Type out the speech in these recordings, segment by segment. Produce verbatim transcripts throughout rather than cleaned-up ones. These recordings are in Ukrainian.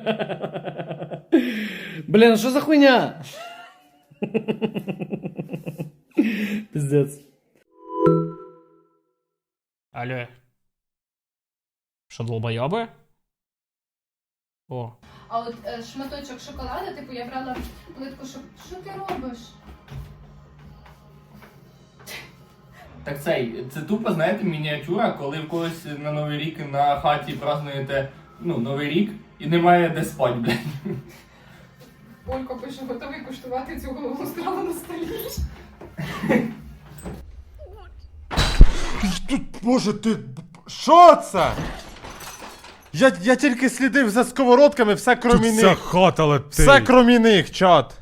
Блін, що за хуйня? Пиздец. Алло. Що, долбойоби? О. А от е, шматочок шоколаду, типу, я брала плитку шок... Що ти робиш? Так цей, це тупо, знаєте, мініатюра, коли в когось на Новий рік на хаті празднуєте, ну, Новий рік і немає де спать, блядь. Олько пише, готовий куштувати цю голову страву на столі. Тут, боже, ти... Що це? Я, я тільки слідив за сковородками, все кромі Тут вся них. хата летить. Все кромі них, чат.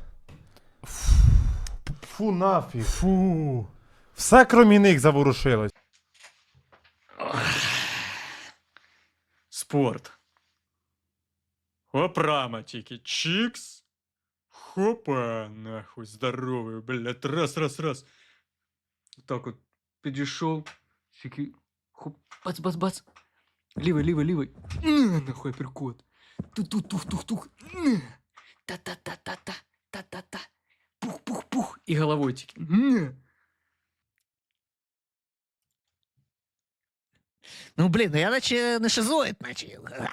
Фу, нафіг. Фу. Все кромі них заворушилось. Спорт. Опрама тільки. Чикс. Хопа, нахуй, здоровий, блядь, раз, раз, раз. Так от, підійшов, тільки, хоп, бац, бац, бац. Лівий, лівий, лівий. На, нахуй, перкот. Тух-тух-тух-тух-тух. На. Та-та-та-та-та, та-та-та. Пух-пух-пух. І головою тільки. На. Ну, блін, я наче не шизоїд, наче.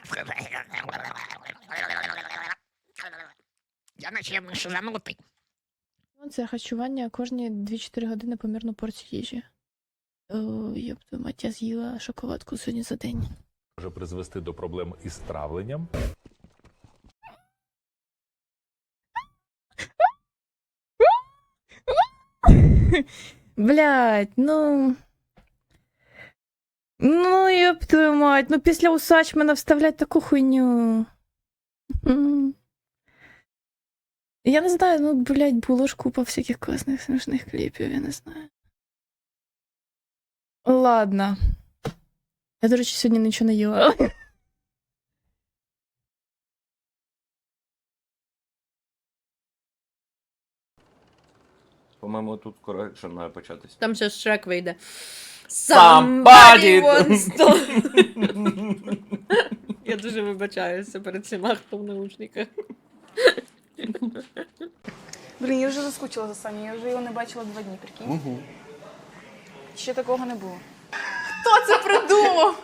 Я наче шизанутий. Це харчування кожні дві-чотири години помірну порцію їжі. О, йопту, мать, я з'їла шоколадку сьогодні за день. Може призвести до проблем із травленням. Блядь, ну... Ну, ёб твою мать, ну після усач мене вставлять таку хуйню. М. Я не знаю, ну, блядь, було ж купа всяких класних смішних кліпів, я не знаю. Ладно. Я, до речі, сьогодні нічого не їла. По-моєму, тут корекшн має початись. Там зараз Шрек вийде. Somebody wants to... Я дуже вибачаюся перед всіма, хто в наушниках. Блін, я вже заскучила за Саню, я вже його не бачила два дні, прикинь. Угу. Ще такого не було. Хто це придумав?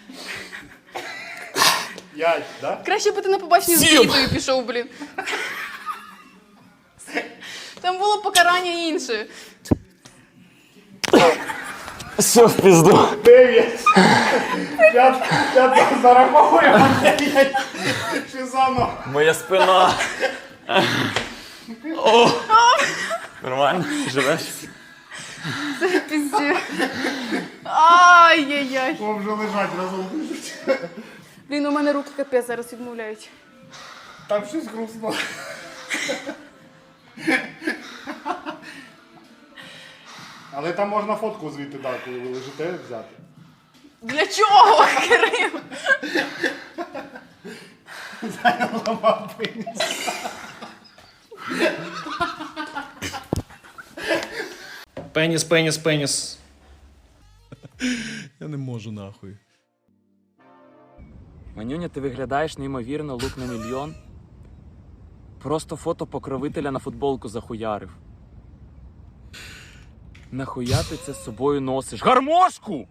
Я, да? Краще би ти на побачення з Вітою пішов, блін. Там було покарання інше. Все в пізду. Дев'ять. Я, я зараховую дев'ять. Шизано. Моя спина. О! Нормально? Живеш? Це пізді. Ай-яй-яй. О, вже лежать разом. Блін, у мене руки капець зараз відмовляють. Там щось грустно. Але там можна фотку звідти, да, коли ви лежите, взяти. Для чого, Кирил? Ламав пеніс. Пеніс, пеніс, пеніс. Я не можу нахуй. Манюня, ти виглядаєш неймовірно, лук на мільйон. Просто фото покровителя на футболку захуярив. Нахуя ти це з собою носиш? Гармошку!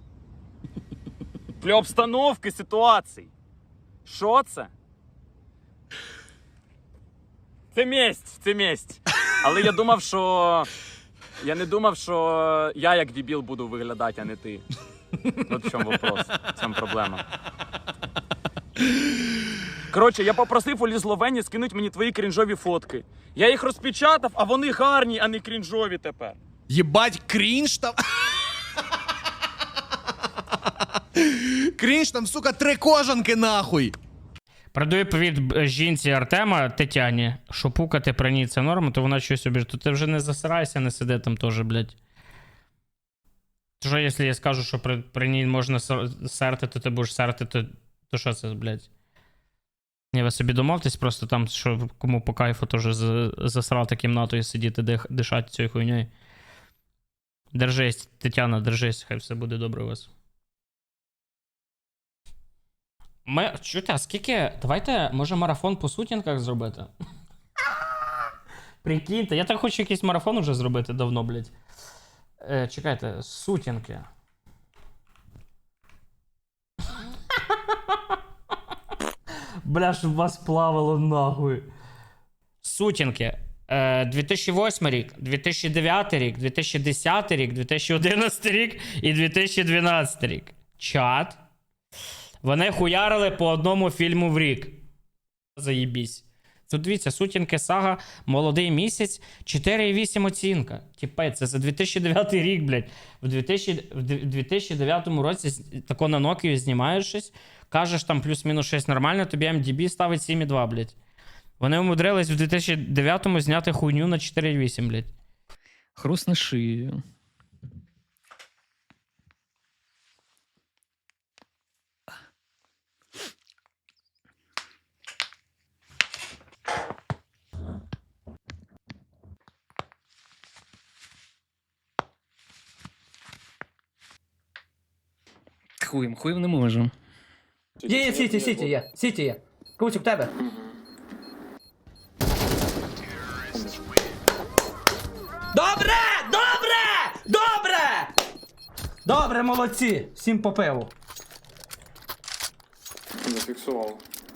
Для обстановки ситуацій. Що це? Це месть, це месть. Але я думав, що... Я не думав, що я як дебіл буду виглядати, а не ти. От в чому вопрос, в чому проблема. Коротше, я попросив у Лізловені скинуть мені твої крінжові фотки. Я їх розпечатав, а вони гарні, а не крінжові тепер. Єбать, крінж там. Крінж там, сука, три кожанки нахуй. Передаю привіт жінці Артема Тетяні, що пукати при ній це норма, то вона щось обіж. То ти вже не засирайся, не сиди там теж, блядь. То що, якщо я скажу, що при, при ній можна серти, то ти будеш серти, то, то що це, блядь? Ні, ви собі домовтесь, просто там, що кому по кайфу теж засрати кімнатою сидіти, дих, дишати цією хуйньою. Держись, Тетяна, держись, хай все буде добре у вас. Ми. Чуєте, а скільки. Давайте, може, марафон по сутінках зробити? Прикиньте, я так хочу якийсь марафон уже зробити давно, блядь. Е, чекайте, сутінки. Бля, щоб вас плавало нахуй. Сутінки. Е, дві тисячі восьмий рік, дві тисячі дев'ятий рік, дві тисячі десятий рік, дві тисячі одинадцятий рік і дві тисячі дванадцятий рік. Чат. Вони хуярили по одному фільму в рік. Заєбісь. Тут дивіться, сутінки Сага, молодий місяць, чотири і вісім оцінка. Тіпе, це за дві тисячі дев'ятий рік, блядь. В дві тисячі дев'ятому році тако на Nokia знімаєш щось, кажеш там плюс-мінус щось нормально, тобі ем ді бі ставить сім і два, блядь. Вони умудрились в дві тисячі дев'ятому зняти хуйню на чотири і вісім, блядь. Хрустне шию. Хуєм, хуєм не можу. Є, є, сіті, сіті є. Сіті є. Кучик, тебе. Добре! Добре! Добре! Добре, молодці! Всім по пиву. Зафіксував.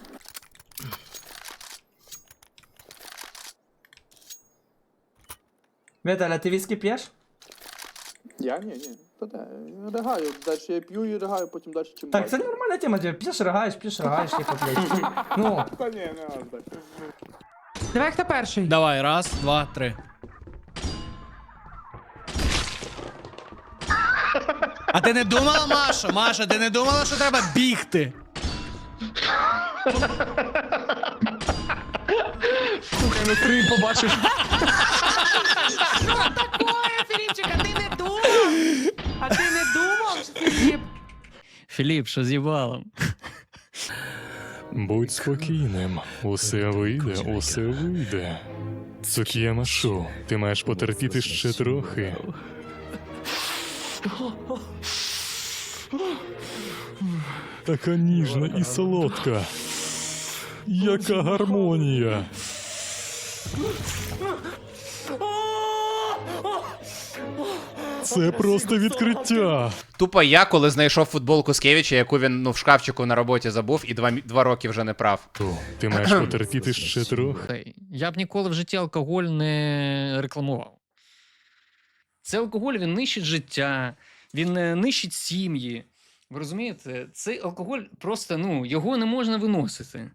Віталя, ти віскі п'єш? Я? Ні, ні. Та де, ригаю. Далі я п'ю і ригаю, потім далі чим Так, це нормальна тема, ти п'єш, ригаєш, п'єш, ригаєш, типу, блядь. Ну. Та ні, не аж так. Давай, хто перший? Давай, раз, два, три. А ти не думала, Маша? Маша, ти не думала, що треба бігти? Сука, на три побачиш. Що такое, Філіпчик, а ти не думав? А ти не думав, Філіп? Філіп, що з їбалом? Будь спокійним, усе вийде, усе вийде. Цук'яма шоу, ти маєш потерпіти ще трохи. Така ніжна і солодка. Яка гармонія. Це просто відкриття. Тупо я, коли знайшов футболку Скевіча, яку він ну, в шкафчику на роботі забув, і два, два роки вже не прав. Ти маєш потерпіти ще трохи. Я б ніколи в житті алкоголь не рекламував. Це алкоголь, він нищить життя, він е, нищить сім'ї. Ви розумієте? Цей алкоголь просто, ну, його не можна виносити.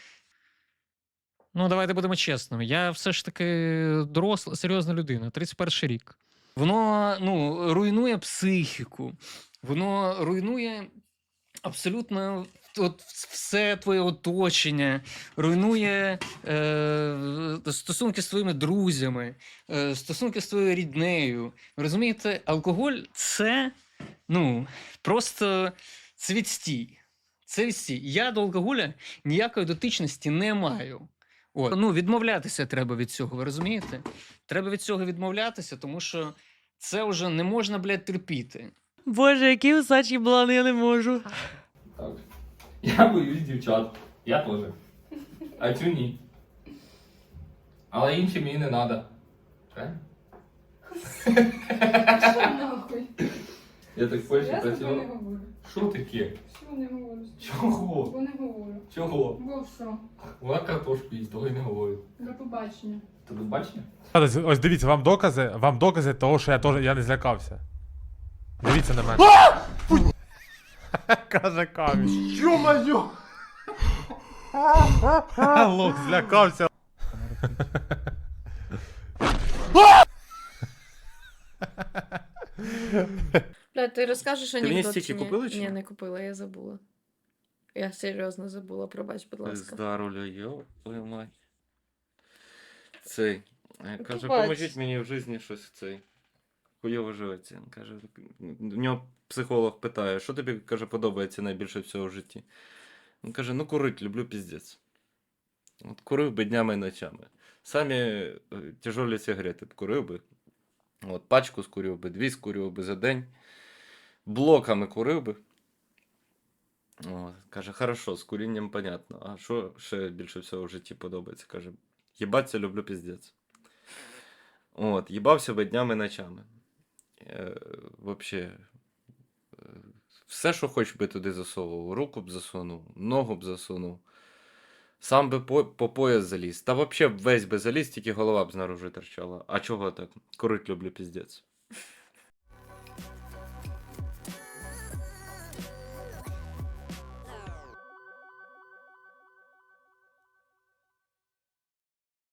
Ну, давайте будемо чесними. Я все ж таки доросла, серйозна людина, тридцять перший рік. Воно, ну, руйнує психіку, воно руйнує абсолютно от все твоє оточення, руйнує е, стосунки з твоїми друзями, е, стосунки з твоєю ріднею. Розумієте, алкоголь – це, ну, просто це відстій. Це відстій. Я до алкоголя ніякої дотичності не маю. От. Ну, відмовлятися треба від цього, ви розумієте? Треба від цього відмовлятися, тому що це вже не можна, блядь, терпіти. Боже, які усачі блани, я не можу. Так. Я боюсь дівчат. Я теж. А цю ні. Але інші мені не треба. Правильно? Що нахуй? Я так в Польщі Я з тобою не працював. говорю. Що таке? Що не говорю? Чого? Бо не говорю. Чого? Бо що? Вона картошку їсть, того й не говорить. До побачення. Ти до бачення? Ось, ось дивіться, вам докази, вам докази того, що я теж я не злякався. Дивіться на мене. Каже камінь. Йо-моє! Лох злякався. Бля, ти розкажеш анекдот? мені стільки чи ні? купила чи ні? Ні, не купила, я забула. Я серйозно забула, пробач, будь ласка. Здаруля, йо, твою мать. Цей. Ну, Каже, побач. поможіть мені в житті щось цей. Хуйово живеться. Каже, в нього психолог питає, що тобі, каже, подобається найбільше всього в житті. Він каже, ну курить, люблю піздець. От курив би днями і ночами. Самі е, тяжолі сигарети б курив би. От, пачку скурив би, дві скурив би за день. Блоками курив би. От, каже, хорошо, з курінням понятно. А що ще більше всього в житті подобається? Каже, їбаться люблю піздець. От, їбався би днями ночами. Е, Вообще, е, все, що хоч би туди засовував. Руку б засунув, ногу б засунув. Сам би по, по пояс заліз. Та взагалі весь би заліз, тільки голова б знаружи торчала. А чого так? Курить люблю піздець.